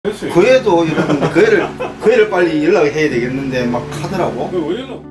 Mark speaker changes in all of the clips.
Speaker 1: 그애도 이런 그애를 빨리 연락을 해야 되겠는데 막 하더라고.
Speaker 2: 왜 연락?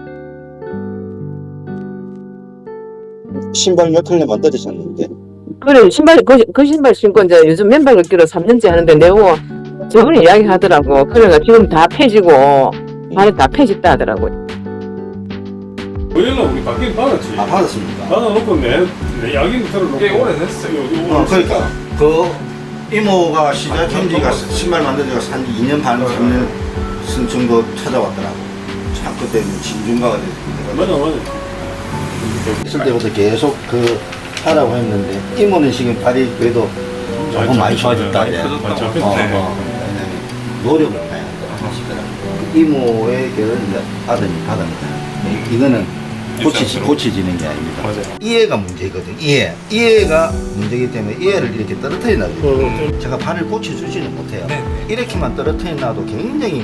Speaker 1: 신발 몇 켤레 만들으셨는데.
Speaker 3: 그래 신발 그 신발 신고 이제 요즘 맨발 걷기로 3년째 하는데 내고 저번에 이야기 하더라고. 그래가 지금 다 펴지고 발이 다 펴졌다 하더라고.
Speaker 2: 왜 연락 우리 받긴 받았지.
Speaker 1: 아 받았습니까?
Speaker 2: 받아놓고 내 이야기는 들어놓고.
Speaker 4: 꽤 오래됐어요.
Speaker 1: 그러니까 그 이모가 시작한 지가 신발 만든 지가 한 2년 반 3년 정도 찾아왔더라고. 참 그때 진중가가 됐습니다.
Speaker 2: 맞아.
Speaker 1: 있을 때부터 계속 그 하라고 했는데 이모는 지금 발이 그래도 조금 많이 좋아졌다.
Speaker 2: 많이 펴졌다고.
Speaker 1: 노력을 많이 한다. 이모의 결을 이제 받으니까 이거는 고쳐지는 게 아닙니다.
Speaker 2: 맞아요.
Speaker 1: 이해가 문제거든. 이해가 문제이기 때문에 이해를 이렇게 떨어뜨려 놔도 제가 발을 고쳐주지는 못해요. 이렇게만 떨어뜨려 놔도 굉장히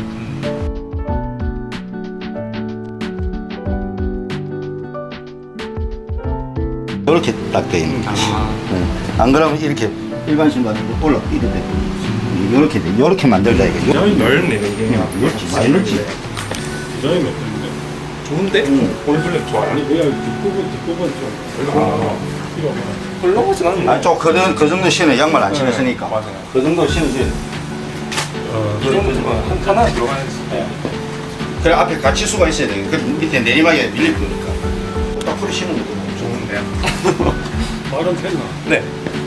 Speaker 1: 이렇게 딱 돼 있는 거지. 안 그러면 이렇게 일반 신발은 올라 이렇게 돼. 이렇게 돼. 이렇게 만들자 이거.
Speaker 2: 디자인
Speaker 4: 넓네 이게.
Speaker 1: 그렇지. 많이 넓지.
Speaker 2: 디자인 어떤데?
Speaker 4: 좋은데? 올블랙 좋아요.
Speaker 2: 아니 그냥 뒷부분 좀. 필요 없나?
Speaker 4: 헐렁하진 않네.
Speaker 1: 아니 그 정도 신어 양말 안 신었으니까.
Speaker 4: 맞아요.
Speaker 1: 그 정도 신으세요.
Speaker 4: 이 정도면 하나 들어가야지.
Speaker 1: 그래 앞에 같이 수가 있어야 돼. 그 밑에 내리막에 밀릴 거니까. 딱 풀이 신으면 돼.
Speaker 4: 좋은데요?
Speaker 2: 발은 폈나?
Speaker 4: 네.